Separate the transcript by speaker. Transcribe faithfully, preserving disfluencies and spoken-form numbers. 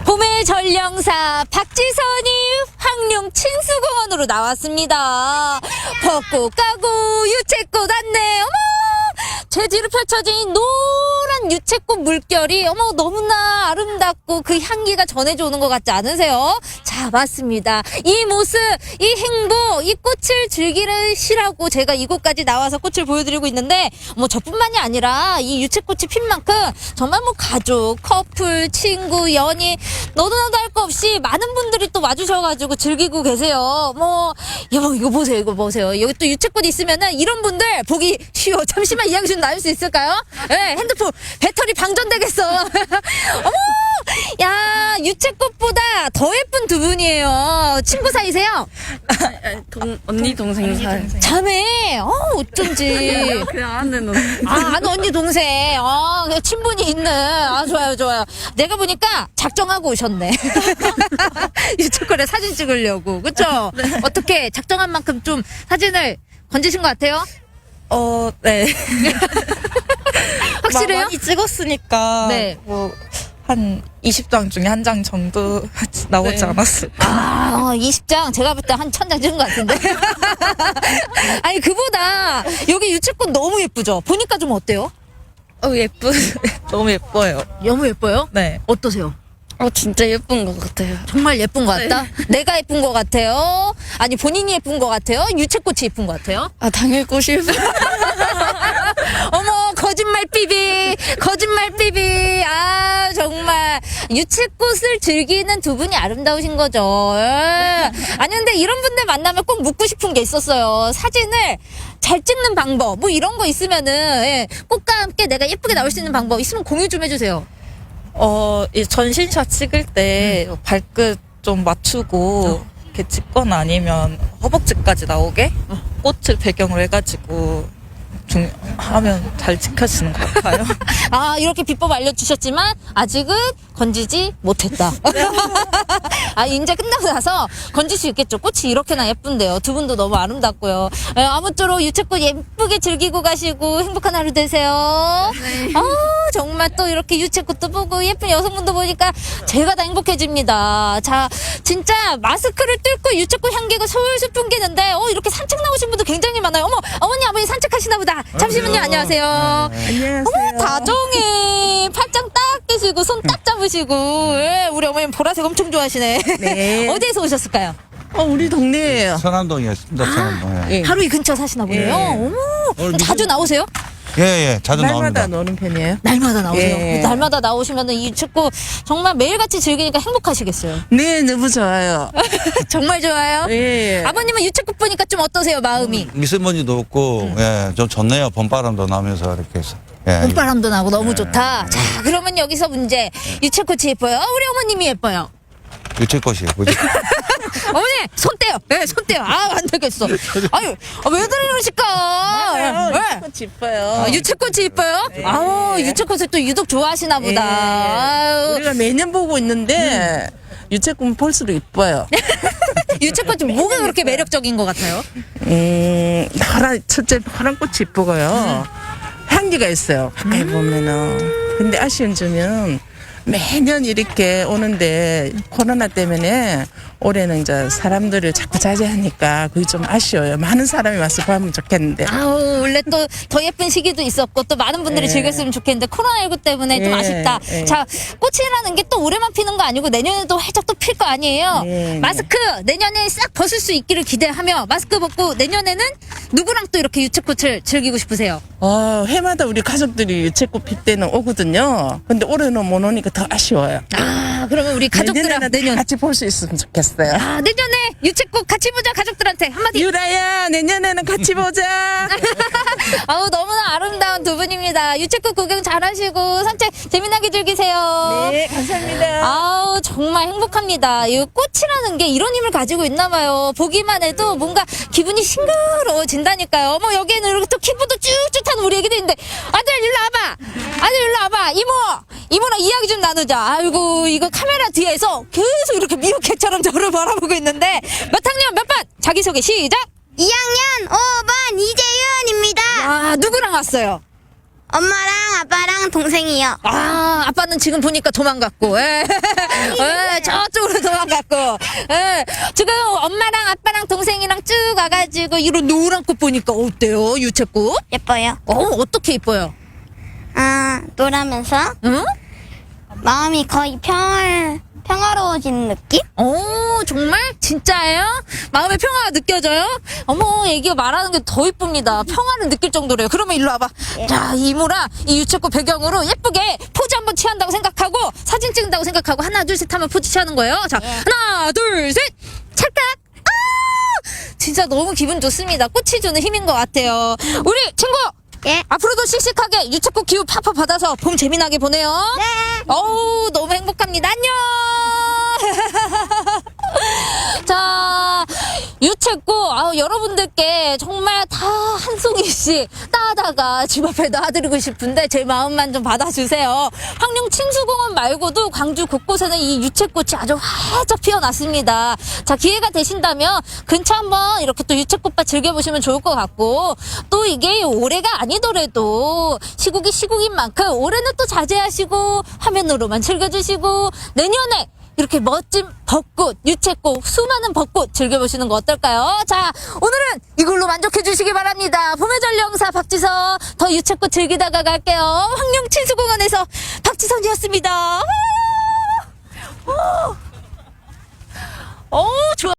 Speaker 1: 봄의 전령사 박지선이 황룡 친수공원으로 나왔습니다. 벚꽃 가고 유채꽃 안내. 어머, 제지로 펼쳐진 노란 유채꽃 물결이 어머 너무나 아름답고 그 향기가 전해져 오는 것 같지 않으세요? 자, 맞습니다. 이 모습, 이 행복, 이 꽃을 즐기시라고 제가 이곳까지 나와서 꽃을 보여드리고 있는데, 뭐 저뿐만이 아니라 이 유채꽃이 핀 만큼 정말 뭐 가족, 커플, 친구, 연인 너도 나도 할 거 없이 많은 분들이 또 와주셔가지고 즐기고 계세요. 뭐 여보 이거 보세요, 이거 보세요. 여기 또 유채꽃 있으면은 이런 분들 보기 쉬워. 잠시만 이야기 좀 나눌 수 있을까요? 예, 네, 핸드폰 배터리 방전되겠어. 어머, 야 유채꽃보다 더 예쁜 두 분이에요. 친구 사이세요?
Speaker 2: 동, 언니 동생 사이.
Speaker 1: 자매. 어 어쩐지.
Speaker 2: 그냥 아는 언니.
Speaker 1: 아, 아는 언니 동생. 아, 친분이 있는. 아, 좋아요, 좋아요. 내가 보니까 작정하고 오셨네. 유튜브에 사진 찍으려고. 그쵸?
Speaker 2: 네.
Speaker 1: 어떻게 작정한 만큼 좀 사진을 건지신 것 같아요?
Speaker 3: 어, 네.
Speaker 1: 확실해요?
Speaker 3: 많이 찍었으니까.
Speaker 1: 네.
Speaker 3: 뭐, 한 이십 장 중에 한 장 정도 나오지
Speaker 2: 네.
Speaker 3: 않았을까.
Speaker 1: 아, 이십 장. 제가 볼 때 한 천 장 찍은 것 같은데. 아니, 그보다 여기 유채꽃 너무 예쁘죠? 보니까 좀 어때요?
Speaker 3: 어, 예쁘, 너무 예뻐요.
Speaker 1: 너무 예뻐요?
Speaker 3: 네.
Speaker 1: 어떠세요?
Speaker 2: 어, 진짜 예쁜 것 같아요.
Speaker 1: 정말 예쁜 것 같다? 내가 예쁜 것 같아요? 아니, 본인이 예쁜 것 같아요? 유채꽃이 예쁜 것 같아요?
Speaker 2: 아, 당일 꽃이 예쁜.
Speaker 1: 어머, 거짓말 삐비, 거짓말 삐비. 아, 정말. 유채꽃을 즐기는 두 분이 아름다우신 거죠. 예. 아니, 근데 이런 분들 만나면 꼭 묻고 싶은 게 있었어요. 사진을 잘 찍는 방법, 뭐 이런 거 있으면은, 예. 꽃과 함께 내가 예쁘게 나올 수 있는 방법 있으면 공유 좀 해주세요.
Speaker 3: 어, 이 전신샷 찍을 때 발끝 좀 맞추고, 이렇게 찍거나 아니면 허벅지까지 나오게 꽃을 배경으로 해가지고, 중, 하면 잘 찍혀지는 것 같아요.
Speaker 1: 아, 이렇게 비법 알려주셨지만, 아직은 건지지 못했다. 아, 이제 끝나고 나서 건질 수 있겠죠. 꽃이 이렇게나 예쁜데요. 두 분도 너무 아름답고요. 예, 아무쪼록 유채꽃 예쁘게 즐기고 가시고 행복한 하루 되세요.
Speaker 2: 네.
Speaker 1: 아, 정말 또 이렇게 유채꽃도 보고 예쁜 여성분도 보니까 제가 다 행복해집니다. 자, 진짜 마스크를 뚫고 유채꽃 향기가 솔솔 풍기는데, 어, 이렇게 산책 나오신 분도 굉장히 많아요. 어머, 어머니, 아버님 산책하시나 보다. 잠시만요. 안녕하세요.
Speaker 4: 안녕하세요.
Speaker 1: 어머, 다정해. 팔짱 딱 끼시고, 손 딱 잡으시고. 예, 우리 어머님 보라색 엄청 좋아하시네.
Speaker 4: 네.
Speaker 1: 어디에서 오셨을까요?
Speaker 4: 어, 우리 동네예요.
Speaker 5: 서남동이었습니다. 서남동에.
Speaker 4: 예.
Speaker 1: 하루 이 근처 사시나 보네요.
Speaker 4: 예.
Speaker 1: 어머,
Speaker 5: 오늘
Speaker 1: 자주
Speaker 5: 미팅-
Speaker 1: 나오세요?
Speaker 5: 예, 예, 자주
Speaker 4: 날마다
Speaker 5: 나옵니다.
Speaker 4: 노는 편이에요.
Speaker 1: 날마다 나오세요.
Speaker 4: 예.
Speaker 1: 날마다 나오시면 이 축구 정말 매일같이 즐기니까 행복하시겠어요.
Speaker 4: 네, 너무 좋아요.
Speaker 1: 정말 좋아요.
Speaker 4: 예.
Speaker 1: 아버님은 유채꽃 보니까 좀 어떠세요, 마음이?
Speaker 5: 미세먼지도 없고, 예, 좀 좋네요. 봄바람도 나면서 이렇게 해서. 예.
Speaker 1: 봄바람도 나고 너무 좋다. 자, 그러면 여기서 문제. 유채꽃이 예뻐요? 우리 어머님이 예뻐요?
Speaker 5: 유채꽃이 예쁘죠.
Speaker 1: 어머니, 손 떼요. 예, 손 떼요. 아, 안 되겠어. 아유, 아, 왜 그러실까? 예.
Speaker 4: 꽃 이뻐요.
Speaker 1: 아, 유채꽃이 이뻐요? 아우, 유채꽃을 또 유독 좋아하시나 보다. 아유,
Speaker 4: 우리가 매년 보고 있는데 유채꽃 볼수록 이뻐요.
Speaker 1: 유채꽃이 뭐가 그렇게 매력적인 것 같아요?
Speaker 4: 음, 파란 첫째 파란 꽃이 이쁘고요. 향기가 있어요. 가까이 보면은. 근데 아쉬운 점은 매년 이렇게 오는데 코로나 때문에 올해는 이제 사람들을 자꾸 자제하니까 그게 좀 아쉬워요. 많은 사람이 와서 보면 좋겠는데.
Speaker 1: 아우, 원래 또 더 예쁜 시기도 있었고 또 많은 분들이
Speaker 4: 예.
Speaker 1: 즐겼으면 좋겠는데 코로나십구 때문에 좀
Speaker 4: 예,
Speaker 1: 아쉽다.
Speaker 4: 예.
Speaker 1: 자, 꽃이라는 게 또 올해만 피는 거 아니고 내년에도 활짝 또 필 거 아니에요.
Speaker 4: 예.
Speaker 1: 마스크 내년에 싹 벗을 수 있기를 기대하며 마스크 벗고 내년에는 누구랑 또 이렇게 유채꽃을 즐기고 싶으세요?
Speaker 4: 어, 해마다 우리 가족들이 유채꽃 필 때는 오거든요. 근데 올해는 못 오니까 더 아쉬워요.
Speaker 1: 아, 그러면 우리 가족들랑
Speaker 4: 내년에는
Speaker 1: 내년.
Speaker 4: 같이 볼 수 있으면 좋겠어요.
Speaker 1: 아, 내년에 유채꽃 같이 보자 가족들한테 한마디.
Speaker 4: 유라야, 내년에는 같이 보자.
Speaker 1: 아우, 너무나 아름다운 두 분입니다. 유채꽃 구경 잘하시고 산책 재미나게 즐기세요.
Speaker 4: 네, 감사합니다.
Speaker 1: 아우, 정말 행복합니다. 이 꽃이라는 게 이런 힘을 가지고 있나 봐요. 보기만 해도 뭔가 기분이 싱그러워진다니까요. 어머, 여기에는 이렇게 또 키보드 쭉쭉 타는 우리 애기도 있는데, 아들 일로 와봐. 아들 일로 와봐. 이모, 이모랑 이야기 좀 나누자. 아이고, 이거 카메라 뒤에서 계속 이렇게 미우캣처럼 저를 바라보고 있는데, 몇 학년 몇 반? 자기소개 시작.
Speaker 6: 이 학년 오 반 이재윤입니다.
Speaker 1: 아, 누구랑 왔어요?
Speaker 6: 엄마랑 아빠랑 동생이요.
Speaker 1: 아, 아빠는 지금 보니까 도망갔고, 예. 예, 저쪽으로 도망갔고, 예. 지금 엄마랑 아빠랑 동생이랑 쭉 와가지고, 이런 노란 꽃 보니까 어때요, 유채꽃?
Speaker 6: 예뻐요.
Speaker 1: 어, 어떻게 이뻐요?
Speaker 6: 아, 놀라면서
Speaker 1: 응?
Speaker 6: 마음이 거의 평, 평화로워지는 느낌?
Speaker 1: 어, 정말? 진짜예요? 마음의 평화가 느껴져요? 어머, 애기가 말하는 게 더 이쁩니다. 평화를 느낄 정도래요. 그러면 일로 와봐. 자, 이모랑 이 유채꽃 배경으로 예쁘게 포즈 한번 취한다고 생각하고, 사진 찍는다고 생각하고, 하나, 둘, 셋 하면 포즈 취하는 거예요. 자, 하나, 둘, 셋! 찰칵! 아! 진짜 너무 기분 좋습니다. 꽃이 주는 힘인 것 같아요. 우리 친구!
Speaker 6: 예.
Speaker 1: 앞으로도 씩씩하게 유채꽃 기후 팍팍 받아서 봄 재미나게 보내요.
Speaker 6: 네.
Speaker 1: 어우, 너무 행복합니다. 안녕! 자, 유채꽃, 아우, 여러분들께 정말 다 한 송이씩 따다가 집 앞에 놔드리고 싶은데 제 마음만 좀 받아주세요. 황룡 친수공원 말고도 광주 곳곳에는 이 유채꽃이 아주 활짝 피어났습니다. 자, 기회가 되신다면 근처 한번 이렇게 또 유채꽃밭 즐겨보시면 좋을 것 같고, 또 이게 올해가 아니더라도 시국이 시국인 만큼 올해는 또 자제하시고 화면으로만 즐겨주시고 내년에 이렇게 멋진 벚꽃, 유채꽃, 수많은 벚꽃 즐겨보시는 거 어떨까요? 자, 오늘은 이걸로 만족해 주시기 바랍니다. 봄의 전령사 박지선, 더 유채꽃 즐기다가 갈게요. 황룡 친수공원에서 박지선이었습니다. 오, 오, 좋아.